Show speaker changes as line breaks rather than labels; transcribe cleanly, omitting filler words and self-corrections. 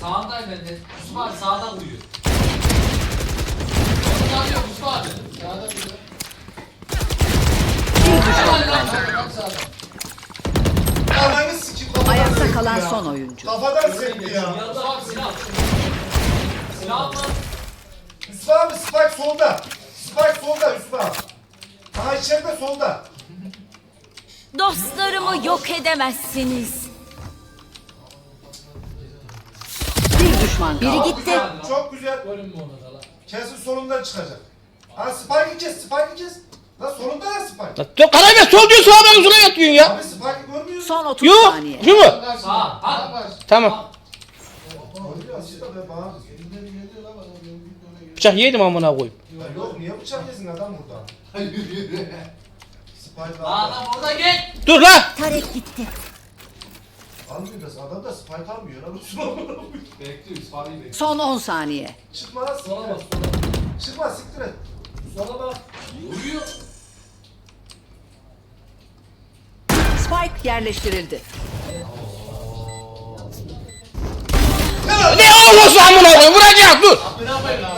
Sağındayım ben de. Yusuf abi sağda uyuyor. Onu alıyor Yusuf abi.
Sağda bir de. Ananı sikip kafadan
Ayakta
sekti
kalan
ya.
son oyuncu.
Kafadan sekti ya.
Yusuf abi silah. Silah atma.
Yusuf abi Spike solda. Spike solda Yusuf abi. Aha içeride solda.
Dostlarımı yok edemezsiniz.
Bir düşman
Biri
kaldı.
gitti.
Çok güzel.
Görünme ona da lan.
Kesin solundan çıkacak. Ha Spike'ı kes, Spike'ı kes. Lan solunda ya Spike.
Karaybe sol diyor sağdan uzuna yatıyorsun ya.
Abi Spike'ı görmüyorsun.
Son 30
Yok.
saniye.
Şu mu?
Sağ. Ha.
Tamam.
Görüyor aslında be bana.
Bıçak yedim amına koyayım.
Ya yok niye bıçak yesin adam burada? Spike
Adam
aldı.
orada gel.
Dur lan.
Tarek gitti.
Almıyor da adam da Spike almıyor. Lan
Bekliyor Yusuf abi bekliyor.
Son 10 saniye.
çıkma lan siktir
Sola bak
et.
sola.
Çıkma siktir et.
Sola bak. Uyuyor.
Spike yerleştirildi.
Ne olursa amına koyayım vuracak dur.
Ne yapayım lan?